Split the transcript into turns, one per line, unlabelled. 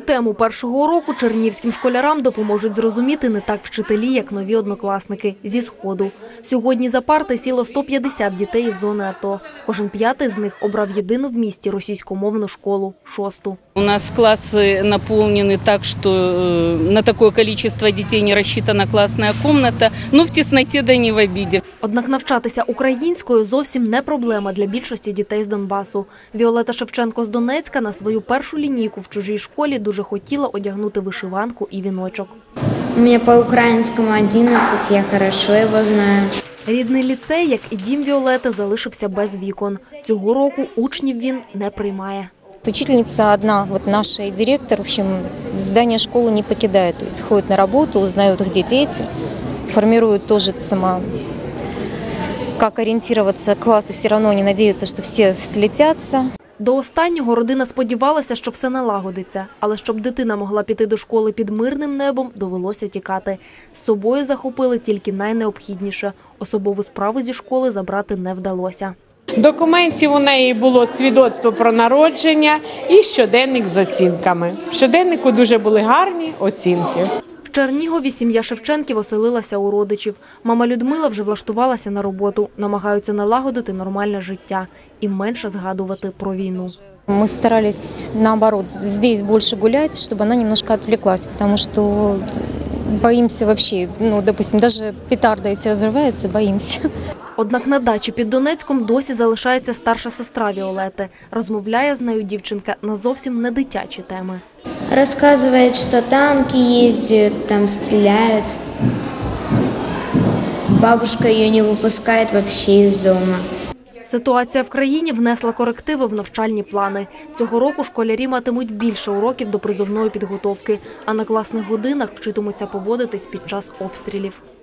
тему першого уроку чернігівським школярам допоможуть зрозуміти не так вчителі, як нові однокласники зі Сходу. Сьогодні за парти сіло 150 дітей із зони АТО. Кожен п'ятий з них обрав єдину в місті російськомовну школу – 6-ту.
У нас классы наполнены так, что на такое количество детей не рассчитана классная комната, но в тесноте да не в обиде.
Однак навчатися українською зовсім не проблема для більшості дітей з Донбасу. Віолета Шевченко з Донецька на свою першу лінійку в чужій школі дуже хотіла одягнути вишиванку і віночок.
У мене по-українському 11, я хорошо його знаю.
Рідний ліцей, як і дім Віолети, залишився без вікон. Цього року учнів він не приймає.
Учительница одна, вот наш директор, в общем, здание школы не покидает, то есть ходит на работу, узнает, где дети, формирует тоже как ориентироваться классы, все равно они надеются, что все слетятся.
До останнього родина сподівалася, що все налагодиться, але щоб дитина могла піти до школи під мирним небом, довелося тікати. З собою захопили тільки найнеобхідніше – особову справу зі школи забрати не вдалося.
Документів у неї було свідоцтво про народження і щоденник з оцінками. В щоденнику дуже були гарні оцінки.
В Чернігові сім'я Шевченків оселилася у родичів. Мама Людмила вже влаштувалася на роботу, намагаються налагодити нормальне життя і менше згадувати про війну.
Мы старались, наоборот, здесь больше гулять, чтобы она немножко отвлеклась, потому что боимся вообще, допустим, даже петарда, если разрывается, боимся.
Однак на дачі під Донецьком досі залишається старша сестра Віолети. Розмовляє з нею дівчинка на зовсім не дитячі теми.
Розказує, що танки їздять, там стріляють. Бабушка її не випускає взагалі з дому.
Ситуація в країні внесла корективи в навчальні плани. Цього року школярі матимуть більше уроків до призовної підготовки, а на класних годинах вчитимуться поводитись під час обстрілів.